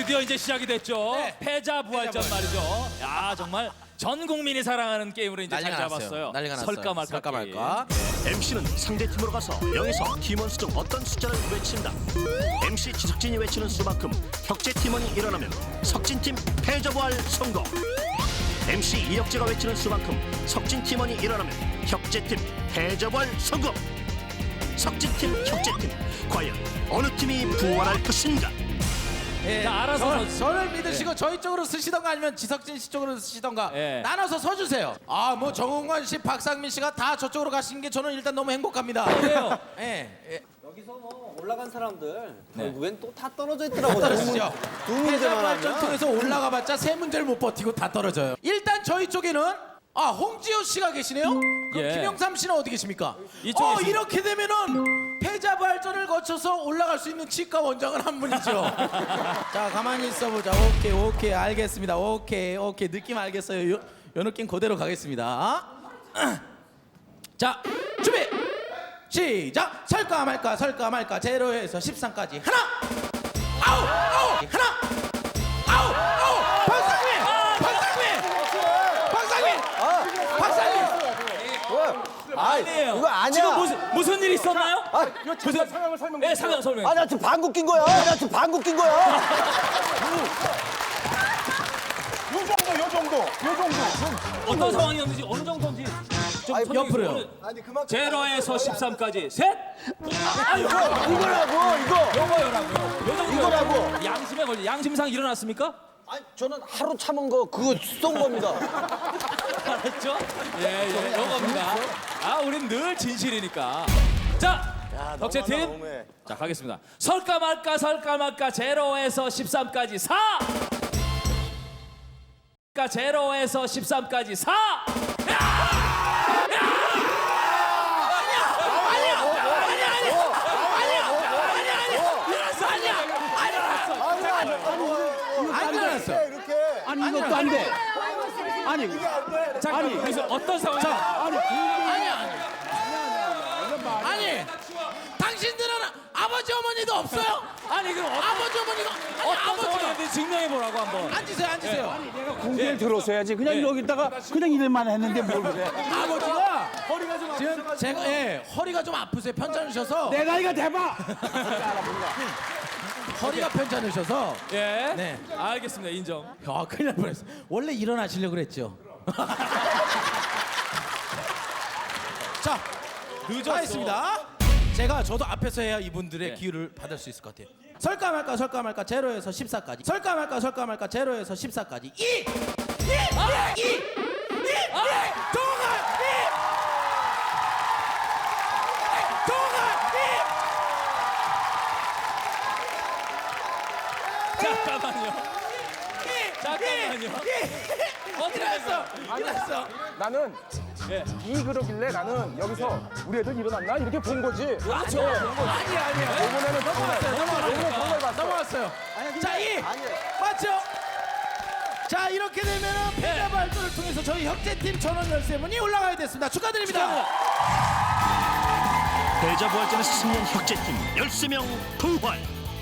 드디어 이제 시작이 됐죠. 네. 패자 부활전 말이죠. 야 정말 전 국민이 사랑하는 게임으로 이제 자리 잡았어요. 난리가 났어요. 설까 말까. 설까 게임. 말까. MC는 상대팀으로 가서 0에서 팀원 수 중 어떤 숫자를 외친다. MC 지석진이 외치는 수만큼 혁재 팀원이 일어나면 석진팀 패자부활 성공. MC 이혁재가 외치는 수만큼 석진 팀원이 일어나면 혁재팀 패자부활 성공. 석진팀, 혁재팀 과연 어느 팀이 부활할 것인가? 예, 자, 알아서 저를 믿으시고 저희 쪽으로 쓰시던가 아니면 지석진 씨 쪽으로 쓰시던가 예. 나눠서 서주세요. 아, 뭐 정홍관 씨, 박상민 씨가 다 저쪽으로 가시는 게 저는 일단 너무 행복합니다. 그래요. 예, 여기서 뭐 올라간 사람들 네. 결국엔 또 다 떨어져 있더라고. 떨어지죠. 두 문제만 발전 하면. 통해서 올라가봤자 세 문제를 못 버티고 다 떨어져요. 일단 저희 쪽에는 홍지호 씨가 계시네요. 그럼 예. 김영삼 씨는 어디 계십니까? 이쪽에 있습니다. 이렇게 되면은 패자 발전을 거쳐서 올라갈 수 있는 치과 원장은 한 분이죠. 자, 가만히 있어보자. 오케이, 알겠습니다. 오케이, 느낌 알겠어요. 요 느낌 그대로 가겠습니다. 자, 준비, 시작. 설까 말까 제로에서 13까지 하나, 아홉, 하나, 아홉, 박상민. 아니에요. 이거 아니야. 지금 무슨 일 있었나요? 무슨 상황을 설명. 네, 설명. 아, 나 지금 방귀 낀 거야. 나 지금 방귀 낀 거야. 요 정도. 어떤 상황이었는지 어느 정도인지 좀 아니, 설명해 옆으로요. 주세요. 아니, 그만. 제로에서 13까지 셋. 이거라고, 이거. 요거요라고요. 요 정도. 이거라고. 양심에 걸려. 양심상 일어났습니까? 아니, 저는 하루 참은 거 그거 쏜 겁니다. 알았죠? 예, 요겁니다. 우린 늘 진실이니까. 자, 덕재 팀. 너무해. 자, 가겠습니다. 설까 말까 제로에서 13까지 4. 제로에서 13까지 4. 안 일어났어. 이렇게. 아니 이것도 안 돼. 아니, 그래서 어떤 상황이야? 아니, 당신들은 아버지 어머니도 없어요? 아니, 그럼 아버지 어머니가 어떤 아버지가 상황인지 증명해 보라고 한번. 앉으세요. 공개를 들었어야지. 그냥 여기다가 그냥 이름만 했는데 뭘 그래? 아버지가 허리가 좀 지금 제가 허리가 좀 아프세요. 편찮으셔서 내 나이가 대박. 허리가 편찮으셔서 예. 네. 알겠습니다. 인정. 큰일 날 뻔했어. 원래 일어나시려고 그랬죠. 자, 늦었어. 하겠습니다. 저도 앞에서 해야 이분들의 네. 기회를 받을 수 있을 것 같아요. 설까 말까 제로에서 14까지. 설까 말까 제로에서 14까지. 2 잠깐만요. 어떻게 됐어? 일어났어. 나는 예. 그러길래 나는 여기서 우리 애들 일어났나 이렇게 본 거지. 그렇죠. 아니야. 이번에는 넘어왔어요. 자, 2 맞죠? 자, 이렇게 되면은 패자 발전을 통해서 저희 혁재팀 전원 13분이 올라가야 됐습니다. 축하드립니다. 패자부활전에서 승리한 혁재팀 13명 부활.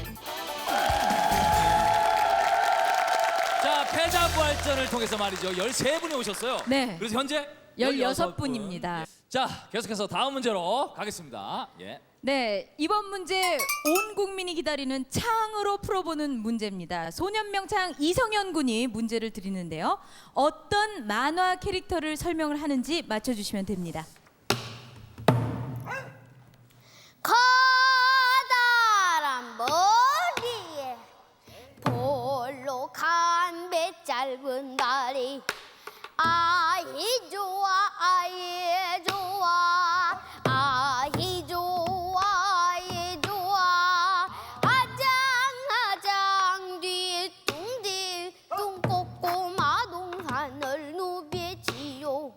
자, 패자 부활전을 통해서 말이죠. 13분이 오셨어요. 네. 그래서 현재 16분입니다. 자, 계속해서 다음 문제로 가겠습니다. 예. 네, 이번 문제 온 국민이 기다리는 창으로 풀어보는 문제입니다. 소년명창 이성현 군이 문제를 드리는데요. 어떤 만화 캐릭터를 설명을 하는지 맞춰주시면 됩니다. 커다란 머리에 볼록한 배 짧은 다리 아이 좋아 아이 좋아 아이 좋아 아이 좋아 아장아장 뒤뚱뒤뚱 꼬꼬마 동산을 누비지요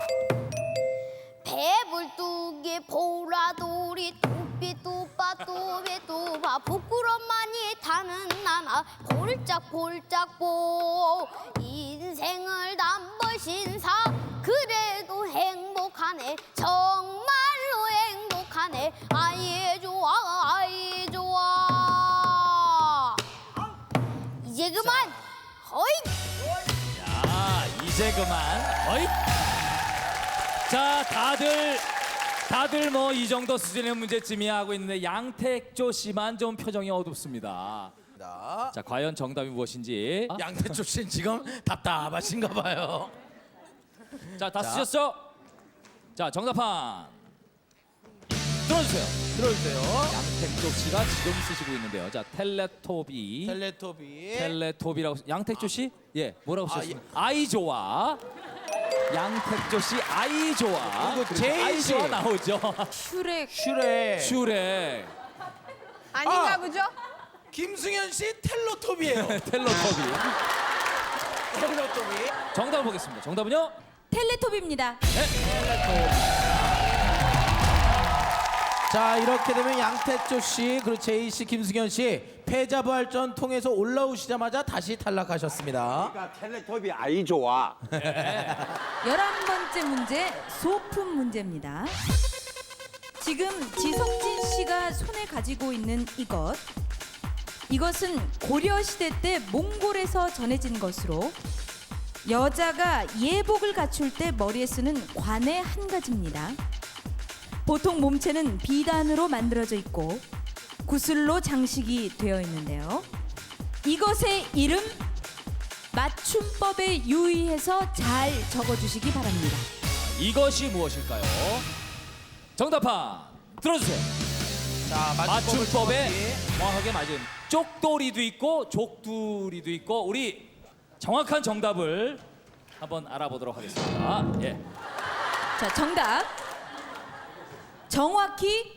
배불뚝에 보라돌이 뚜삐뚜빠뚜비뚜바 부끄러움만이 타는 나나 볼짝볼짝보 인생을 남버신사 그래도 행복하네 정말로 행복하네 아이 좋아 아이 좋아 이제 이제 그만. 어이. 자, 다들 뭐 이 정도 수준의 문제쯤이야 하고 있는데 양택조 씨만 좀 표정이 어둡습니다. 자, 과연 정답이 무엇인지. 양태조 씨는 지금 답답하신가 봐요. 자, 다 쓰셨죠? 자, 정답판 들어주세요. 들어주세요. 양택조 씨가 지금 쓰시고 있는데요. 자, 텔레토비. 텔레토비. 텔레토비라고 양택조 씨? 예, 뭐라고 아, 쓰셨습니까? 아이 좋아. 양택조 씨 아이 좋아. 그리고 제이 아이 씨. 좋아 나오죠. 슈렉. 슈렉. 슈렉. 아닌가 보죠? 김승현 씨 텔로토비예요. 텔레토비. 텔로토비. 정답 보겠습니다. 정답은요? 텔레토비입니다. 자, 이렇게 되면 양태조 씨 그리고 제이 씨, 김승현 씨 패자 부활전 통해서 올라오시자마자 다시 탈락하셨습니다. 그러니까 텔레토비 아이 좋아. 11번째 문제 소품 문제입니다. 지금 지석진 씨가 손에 가지고 있는 이것은 고려 시대 때 몽골에서 전해진 것으로 여자가 예복을 갖출 때 머리에 쓰는 관의 한 가지입니다. 보통 몸체는 비단으로 만들어져 있고 구슬로 장식이 되어 있는데요. 이것의 이름 맞춤법에 유의해서 잘 적어주시기 바랍니다. 이것이 무엇일까요? 정답판 들어주세요. 자, 맞춤법에 정확하게 맞은 쪽돌이도 있고 족두리도 있고 우리 정확한 정답을 한번 알아보도록 하겠습니다. 예. 자, 정답. 정확히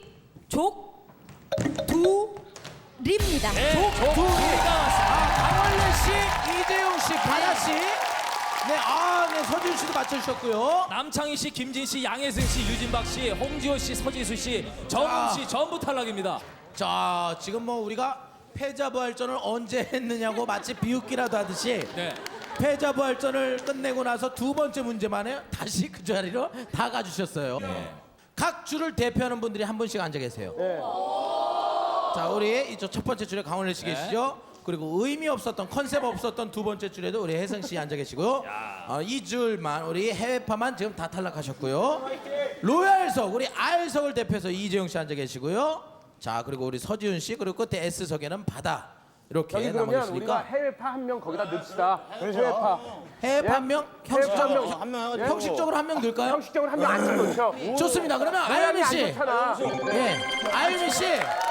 족두리입니다. 네, 족두리가 맞습니다. 강원래 씨, 이재용 씨, 바다 씨. 네, 네, 서준 씨도 맞춰주셨고요. 남창희 씨, 김진 씨, 양혜승 씨, 유진박 씨, 홍지호 씨, 서지수 씨, 정훈 씨 전부 탈락입니다. 자, 지금 뭐 우리가 패자 부활전을 언제 했느냐고 마치 비웃기라도 하듯이 네. 패자 부활전을 끝내고 나서 두 번째 문제만에 다시 그 자리로 다 가주셨어요. 각 줄을 대표하는 분들이 한 분씩 앉아 계세요. 자, 우리 이쪽 첫 번째 줄에 강원래 씨 계시죠? 그리고 의미 없었던 컨셉 없었던 두 번째 줄에도 우리 혜성 씨 앉아 계시고요. 이 줄만 우리 해외파만 지금 다 탈락하셨고요. 로얄석 우리 R석을 대표해서 이재용 씨 앉아 계시고요. 자, 그리고 우리 서지훈 씨 그리고 끝에 S석에는 바다 이렇게 저기 남아 그러면 우리가 계시니까 해외파 한 명 거기다 넣읍시다. 해외파. 해외파 한 명 형식적으로 해외파 형식적으로 한 명 넣을까요? 형식적으로 한 명 안 넣죠. 좋습니다. 그러면 모양이 아유미 안 씨, 좋잖아. 예, 아유미 씨,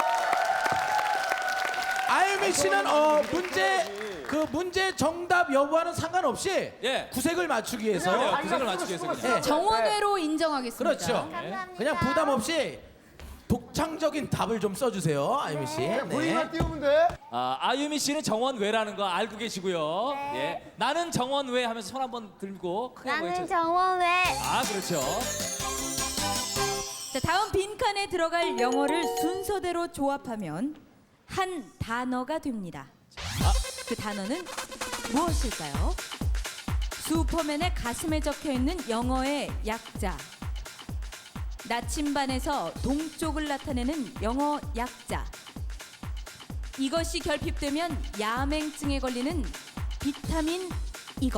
아유미 씨는 문제 정답 여부와는 상관없이 예. 구색을 맞추기 위해서 네, 구색을 맞추기 위해서 그냥. 예, 정원회로 인정하겠습니다. 그렇죠. 그냥 부담 없이 독창적인 답을 좀 써주세요, 아유미 씨. 네. 띄우면 돼. 아유미 씨는 정원외라는 거 알고 계시고요. 예. 나는 정원외 하면서 손 한번 들고 크게 나는 외쳐. 정원외. 그렇죠. 자, 다음 빈칸에 들어갈 영어를 순서대로 조합하면 한 단어가 됩니다. 그 단어는 무엇일까요? 슈퍼맨의 가슴에 적혀 있는 영어의 약자. 나침반에서 동쪽을 나타내는 영어 약자. 이것이 결핍되면 야맹증에 걸리는 비타민 이것.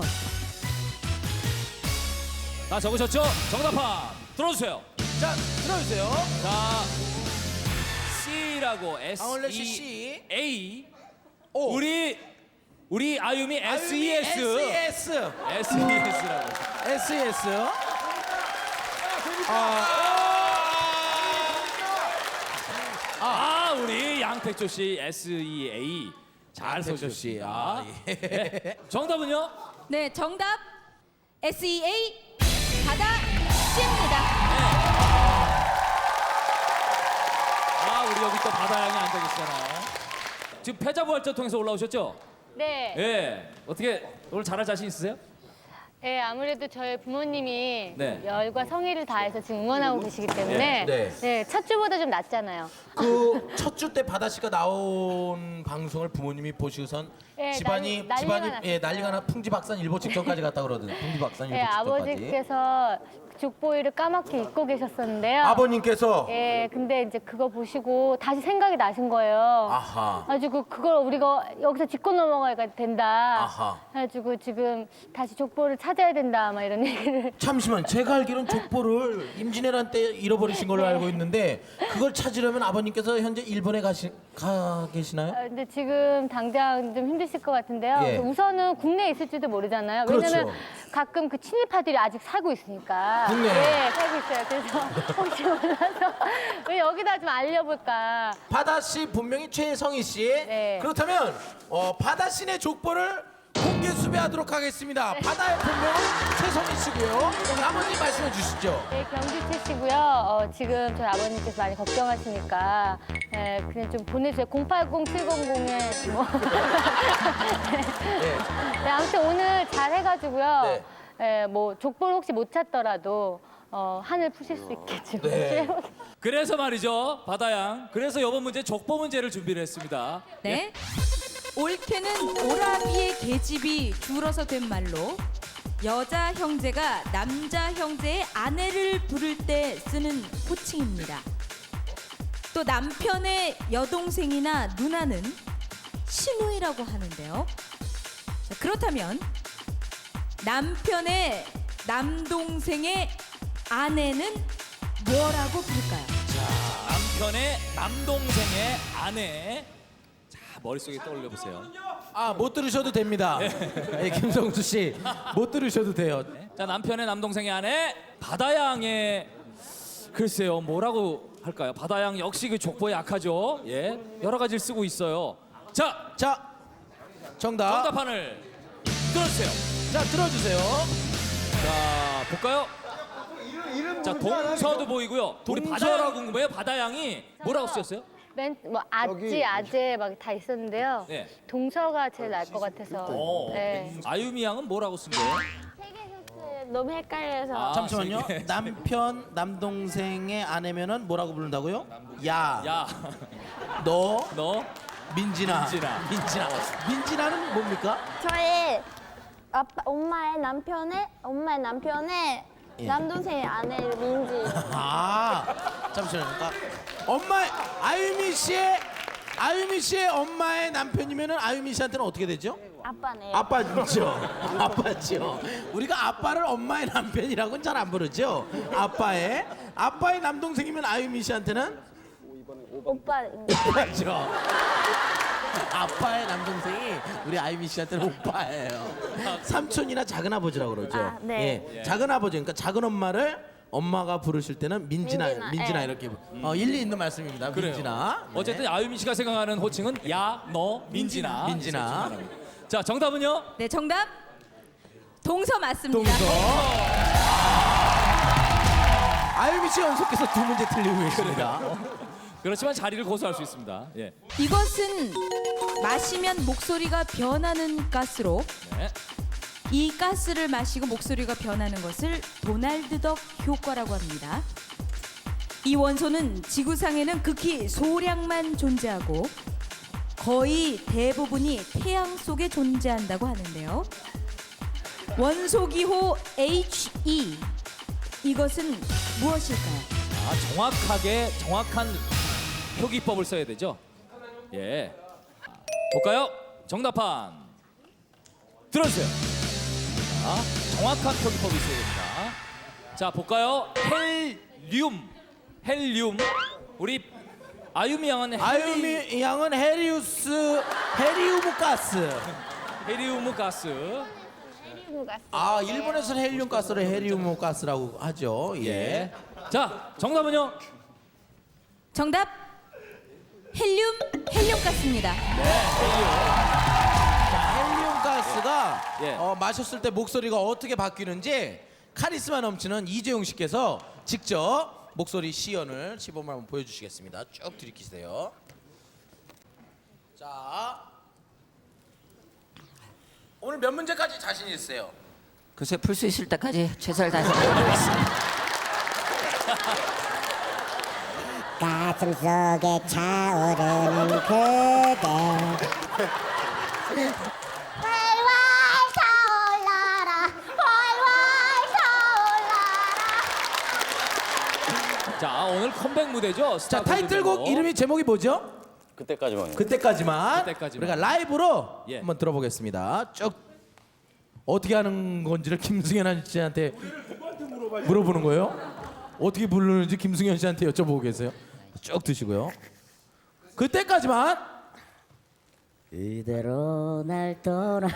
다 적으셨죠? 정답판 들어주세요. 자, 들어주세요. 자, C라고 강원래 씨 S C. E A. O. 우리 아유미 S E S. SES. S E S라고. SES. 우리 양택조 씨 S E A 잘 양택조 씨. 써주셨습니다. 예. 네. 정답은요? 네, 정답 SEA 바다 C입니다. 우리 여기 또 바다양이 앉아 계시잖아요. 지금 패자부활전 통해서 올라오셨죠? 네. 예. 어떻게 오늘 잘할 자신 있으세요? 네, 아무래도 저희 부모님이 네. 열과 성의를 다해서 지금 응원하고 계시기 때문에 네. 첫 주보다 좀 낫잖아요. 그 첫 주 때 바다 씨가 나온 방송을 부모님이 보시고선 예, 집안이 난리가 났어요. 난리가 나 풍지박산일보 직전까지 갔다 그러거든. 풍지박산일보 예, 직전까지. 아버지께서 족보이를 까맣게 잊고 계셨었는데요. 아버님께서 예, 근데 이제 그거 보시고 다시 생각이 나신 거예요. 아하. 가지고 그걸 우리가 여기서 짚고 넘어가야 된다. 아하. 가지고 지금 다시 족보를 찾아야 된다. 막 이런 얘기를. 잠시만, 제가 알기로는 족보를 임진왜란 때 잃어버리신 걸로 알고 있는데 그걸 찾으려면 아버님께서 현재 일본에 가 계시나요? 근데 지금 당장 좀 힘드실 것 같은데요. 예. 그래서 우선은 국내에 있을지도 모르잖아요. 그렇죠. 왜냐면 가끔 그 친일파들이 아직 살고 있으니까. 국내에? 네, 살고 있어요. 그래서 혹시 몰라서 왜 여기다 좀 알려볼까. 바다 씨 분명히 최성희 씨. 네. 그렇다면 바다 씨네 족보를 공개 수배하도록 하겠습니다. 바다의 본명은 최성희 씨고요. 아버님 말씀해 주시죠. 네, 경주채 씨고요. 지금 저희 아버님께서 많이 걱정하시니까 그냥 좀 보내주세요. 080700에 뭐. 네, 아무튼 오늘 잘 해가지고요. 뭐 족보를 혹시 못 찾더라도 한을 푸실 수 있게 지금. 네. 그래서 말이죠, 바다양. 그래서 이번 문제 족보 문제를 준비를 했습니다. 네. 올케는 오라비의 계집이 줄어서 된 말로 여자 형제가 남자 형제의 아내를 부를 때 쓰는 호칭입니다. 또 남편의 여동생이나 누나는 시누이라고 하는데요. 자, 그렇다면 남편의 남동생의 아내는 뭐라고 부를까요? 남편의 남동생의 아내. 자, 머릿속에 떠올려 보세요. 못 들으셔도 됩니다. 네, 김성수 씨, 못 들으셔도 돼요. 자, 남편의 남동생의 아내 바다양의, 글쎄요, 뭐라고 할까요? 바다양 역시 그 족보에 약하죠. 예, 여러 가지를 쓰고 있어요. 자, 정답. 정답판을 들어주세요. 자, 들어주세요. 자, 볼까요? 자, 동서도 보이고요. 우리 바다양 궁금해요. 바다양이 뭐라고 쓰였어요? 뭐 아재 막 다 있었는데요. 네. 동서가 제일 나을 것 같아서. 네. 아유미 양은 뭐라고 쓴 거예요? 너무 헷갈려서. 잠시만요. 남편, 남동생의 아내면은 뭐라고 부른다고요? 야. 야, 너. 너. 민진아. 민진아는 뭡니까? 저의 엄마의 남편의 남동생의 아내 민지. 잠시만요. 그러니까 아유미 씨의 엄마의 남편이면은 아유미 씨한테는 어떻게 되죠? 아빠네요. 아빠죠. 우리가 아빠를 엄마의 남편이라고는 잘 안 부르죠. 아빠의 남동생이면 아유미 씨한테는 오빠입니다. 오빠죠. 아빠의 남동생이 우리 아유미 씨한테는 오빠예요. 삼촌이나 작은 아버지라고 그러죠. 네. 예. 작은 아버지, 그러니까 작은 엄마를 엄마가 부르실 때는 민진아 민진아, 이렇게 일리 있는 말씀입니다. 그래요. 민진아. 네. 어쨌든 아유미 씨가 생각하는 호칭은 야, 너, 민진아. 자, 정답은요? 네, 정답 동서 맞습니다. 아유미 씨 연속해서 두 문제 틀리고 계십니다. 그렇지만 자리를 고수할 수 있습니다. 예. 이것은 마시면 목소리가 변하는 가스로 네. 이 가스를 마시고 목소리가 변하는 것을 도날드 덕 효과라고 합니다. 이 원소는 지구상에는 극히 소량만 존재하고 거의 대부분이 태양 속에 존재한다고 하는데요. 원소 기호 He, 이것은 무엇일까요? 정확한 표기법을 써야 되죠. 예. 볼까요? 정답판 들어주세요. 자, 정확한 표기법이 있어야 됩니다. 자, 볼까요? 헬륨. 우리 아유미 양은 헤리움 가스. 헤리움 가스. 일본에서는 헬륨 가스를 헤리움 가스라고 하죠. 예. 자, 정답은요? 정답 헬륨 가스입니다. 헬륨 가스가 예. 마셨을 때 목소리가 어떻게 바뀌는지 카리스마 넘치는 이재용 씨께서 직접 목소리 시연을 시범을 한번 보여주시겠습니다. 쭉 들이키세요. 자, 오늘 몇 문제까지 자신 있으세요? 글쎄 풀 수 있을 때까지 최선을 다해서 해보겠습니다. 가슴 속에 차오르는 그대 활활 타올라라 활활 타올라라. 자, 오늘 컴백 무대죠. 자, 타이틀곡 이름이 제목이 뭐죠? 그때까지만요. 그때까지만. 그때까지만. 우리가 라이브로 예. 한번 들어보겠습니다. 쭉 어떻게 하는 건지를 김승현 씨한테 물어보는 거예요? 어떻게 부르는지 김승현 씨한테 여쭤보고 계세요. 쭉 드시고요. 그때까지만. 이대로 날 떠나.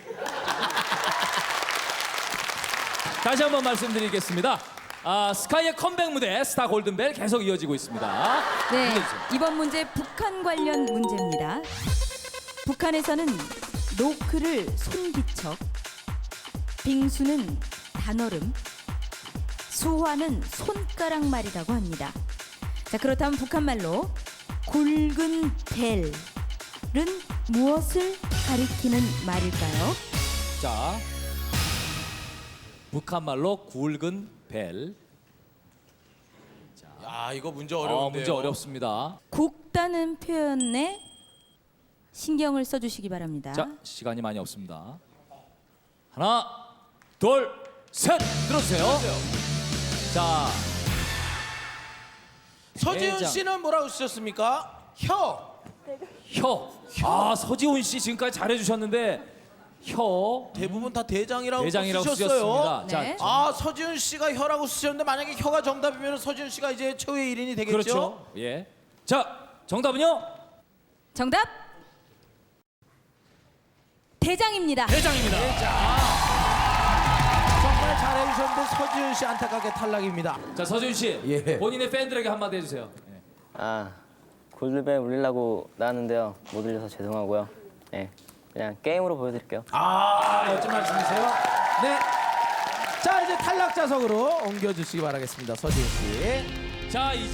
다시 한번 말씀드리겠습니다. 스카이의 컴백 무대 스타 골든벨 계속 이어지고 있습니다. 네, 문제 주세요. 이번 문제 북한 관련 문제입니다. 북한에서는 노크를 손기척, 빙수는 단얼음, 수화는 손가락말이라고 합니다. 자, 그렇다면 북한말로 굵은 벨은 무엇을 가리키는 말일까요? 자, 북한말로 굵은 벨. 야, 이거 문제 어려운데요. 문제 어렵습니다. 굵다는 표현에 신경을 써주시기 바랍니다. 자, 시간이 많이 없습니다. 하나, 둘, 셋, 들어주세요. 자, 서지훈 대장. 씨는 뭐라고 쓰셨습니까? 혀. 서지훈 씨 지금까지 잘해주셨는데 혀 대부분 다 대장이라고 대장이라고 쓰셨어요. 쓰셨습니다. 네. 서지훈 씨가 혀라고 쓰셨는데 만약에 혀가 정답이면 서지훈 씨가 이제 최후의 1인이 되겠죠? 그렇죠. 예. 자, 정답은요? 정답 대장입니다. 대장입니다. 정말 잘해주셨는데 서지훈 씨 안타깝게 탈락입니다. 자, 서지훈 씨, 예. 본인의 팬들에게 한마디 해주세요. 예. 골드벨 울리려고 나왔는데요. 못 울려서 죄송하고요. 네, 그냥 게임으로 보여드릴게요. 멋진 말씀이세요. 네. 자, 이제 탈락자석으로 옮겨주시기 바라겠습니다. 서지훈 씨. 자, 이제.